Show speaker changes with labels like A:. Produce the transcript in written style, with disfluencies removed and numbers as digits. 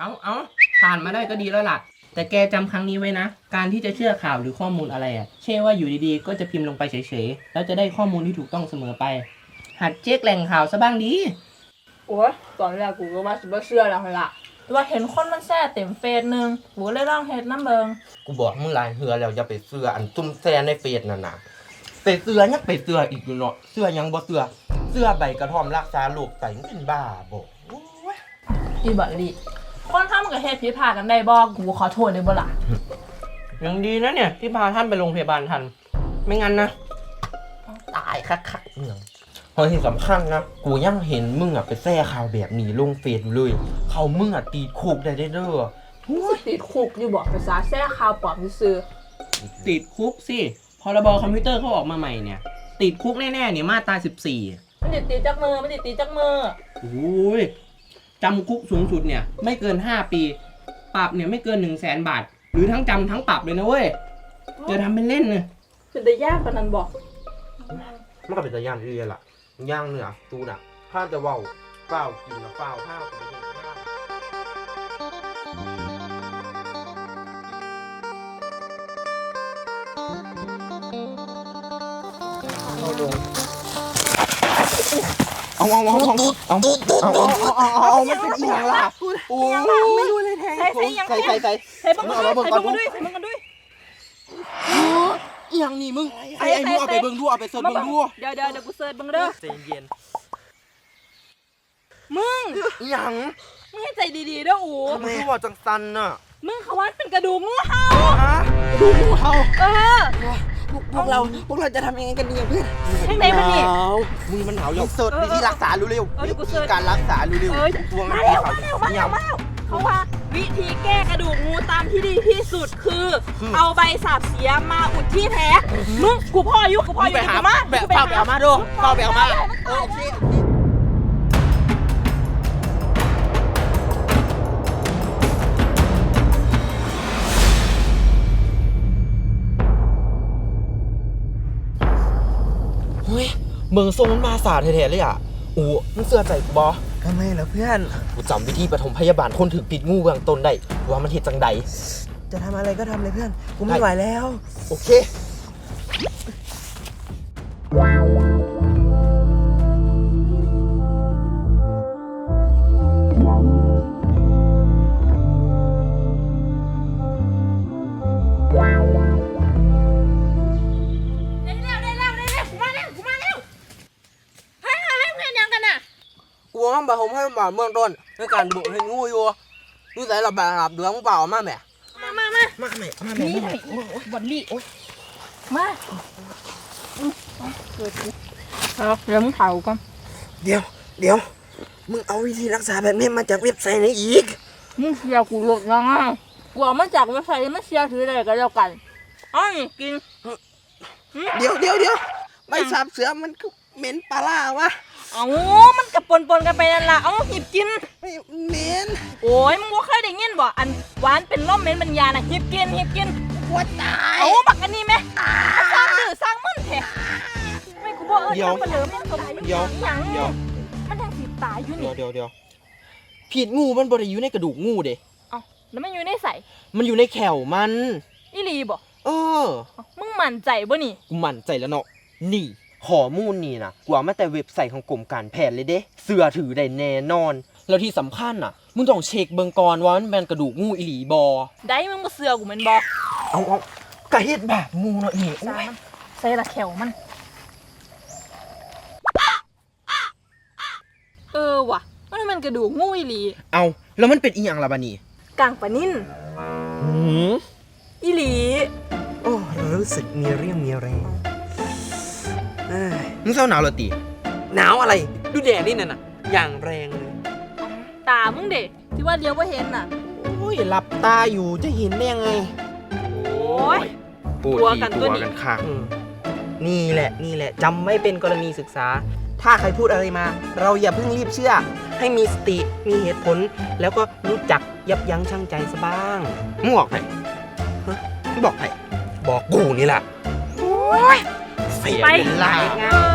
A: เอาผ่านมาได้ก็ดีแล้วล่ะแต่แกจำครั้งนี้ไว้นะการที่จะเชื่อข่าวหรือข้อมูลอะไรใช่ว่าอยู่ดีๆก็จะพิมพ์ลงไปเฉยๆแล้วจะได้ข้อมูลที่ถูกต้องเสมอไปหัดเช็คแหล่งข่าวซะบ้างดี
B: โอ้ยตอนแรกกูก็ว่าสิบ่เชื่อแล้วล่ะว่าเห็นคนมันแซ่เต็มเฟซนึงกูเลยลองเฮ็ดน้ำเบิง
C: กูบอกมึงหลายเทื่อแล้วอย่าไปเชื่ออันซุ่มแซ่ในเฟซนั่นน่ะไปเชื่อยังไปเชื่ออีกอยู่เนาะเชื่อยังบ่เชื่อใบกระท่อมรักษาโรคไตมึงเป็นบ้าบ่
B: อีบักดิคนทำกับเฮ็ดผิดพลาดกันได้บ่กูขอโทษได้บ่ล่ะ
A: ยังดีนะเนี่ยที่พาท่านไปโรงพยาบาลทันไม่งั้นนะ
C: ตายคักๆเมืองพอที่สำคัญนะกูยังเห็นมึงไปแซ่ข่าวแบบนี้ลงเฟซอยู่เลยเขามึงตีคุกได้เด้อ
B: ติดคุกอยู่บ่ภาษาแซ่ข่าวปลอมซื่อ
A: ติดคุกสิพรบคอมพิวเตอร์เขาออกมาใหม่เนี่ยติดคุกแน่ๆเนี่ยมาตรา14
B: มันติดจักมือ
A: โอ้ยจำคุกสูงสุดเนี่ยไม่เกิน5 ปีปรับเนี่ยไม่เกิน100,000 บาทหรือทั้งจำทั้งปรับเลยนะเว้ยจะทำเป็นเล่นเลย
B: เป็นได้ยากปานนั้นบ่
C: มันก็เป็นตะย่านเรียล่ะย่างเนื้อตูน่ะถ้าจะเว้าเปล่ากินนะเปล่าข้าวไปกินข้าวเอามันเป็นอีหยังล่ะโอ้
B: ไม่รู้เลยแทงใส่บังกันด้วย
C: อีหยังนี่มึงไอ้มึงเอาไปเบิ่งดูเอาไปเสิร์ชเบิ่งดู
B: เดี๋ยวกูเสิร์ชเบิ่งเด้อ
C: ใจเย็น
B: มึง
C: อีหยัง
B: มึงให้ใจดีๆเด้ออู๋
C: ทำไมว่าจังซันน่ะ
B: มึงเขาว่าเป็นกระดูกงูเห่า
C: ฮะกระดูกงูเห่า
D: พวกเราจะทำยังไงกันดีเพื่อน
B: ข้างในมันนี่
C: มึงมันหนาวแล้วเสิร์ชวิธีรักษาเร็วๆการรักษาเร็ว
B: ๆตัวมันมาแล้วเขาว่าวิธีแก้กระดูกงูตามที่ดีที่สุดคือเอาใบสาบเสียมาอุดที่แท้มึงกูพ่ออยู่
C: ไปหามาแบบเฝ้าแบบมาดูเฝ้าแบบมาโอเคเมืองทรงมันมาสาแท้ๆเลยอ่ะโอ้มึงเสื้อใจกูบ่
D: ทำไมล่ะเพื่อน
C: กูจำวิธีปฐมพยาบาลคนถือพิษงูเบื้องต้นได้ว่ามันเฮ็ดจังใด
D: จะทำอะไรก็ทำเลยเพื่อนกูไม่ไหวแล้ว
C: โอเคบาผมให้บาเมืองต้นในการบุกให้งูอยู่นี่ใส่ระบาดเดือดมึงเปล่ามาแม่
B: มา
D: แม่
B: นี่บอลลี่มาเอาเดี๋ยวมึงเผาก่อน
D: เดี๋ยวมึงเอาวิธีรักษาแบบนี้มาจากเว็บไซต์ไหนอีก
B: มึงเชียร์กูหลุดยังอ่ะกูเอามาจากเว็บไซต์ไม่เชียร์ถืออะไรกันแล้วกันอ้อยกิน
D: เดี๋ยวใบสาบเสือมันก็เหม็นปลาล่าวะ
B: เอามันกับปนกันไปนั่นล่ะเอาหิบกิน
D: เหม็น
B: โอ้ยมึงว่าเคยได้ยินบ่อันหวานเป็นร่มเหม็นบรรยาน่ะหิบกิน
D: ปวดตาย
B: เอาบักอันนี้ไหมสร้างดื้อสร้างมึนแท้ไม่กูบอกทำมาเหลือมันสมยังมันทางสีตายอยู่นี่
C: เดี๋ยวผิดงูมันบ่ได้อยู่ในกระดูกงูเด้
B: เอาแล้วมันอยู่ในใส่
C: มันอยู่ในแขวมัน
B: อีหลีบ่มึงมั่นใจบ่นี่
C: กูมั่นใจแล้วเนาะนี่ข้อมูลนี่นะกว่ามาแต่เว็บไซต์ของกรมการแพทย์เลยเด้เชื่อถือได้แน่นอนแล้วที่สำคัญน่ะมึงต้องเช็คเบิ่งก่อนว่ามันเป็นกระดูกงูอีหลีบ่
B: ได้มึงบ่เชื่อกูแม่นบ่
C: เอากะเฮ็ดแบบงูเนาะนี่
B: ใส่ละแขวมันว่ะมันกระดูกงูอีหลี
C: เอาแล้วมันเป็นอีหยังล่ะบัดนี้
B: กางปะนิ่นอีหลี
D: โอ้รู้สึกมีเรี่ยวมีแรง
C: มึงเศร้าหนาวเหรอตี
D: หนาวอะไรดูแดดนี่น่ะอย่างแรงเลย
B: ตามึงเด็กที่ว่าเลี้ยวว่าเห็นน่ะ
C: โอ้ยหลับตาอยู่จะเห็นได้ยังไง
B: โอ้ย
C: ตัวกันค่ะ
D: นี่แหละจำไม่เป็นกรณีศึกษาถ้าใครพูดอะไรมาเราอย่าเพิ่งรีบเชื่อให้มีสติมีเหตุผลแล้วก็รู้จักยับยั้งชั่งใจซะบ้าง
C: มึงบอกใคร
D: บอกกูนี่แหละ
C: เสียเวลา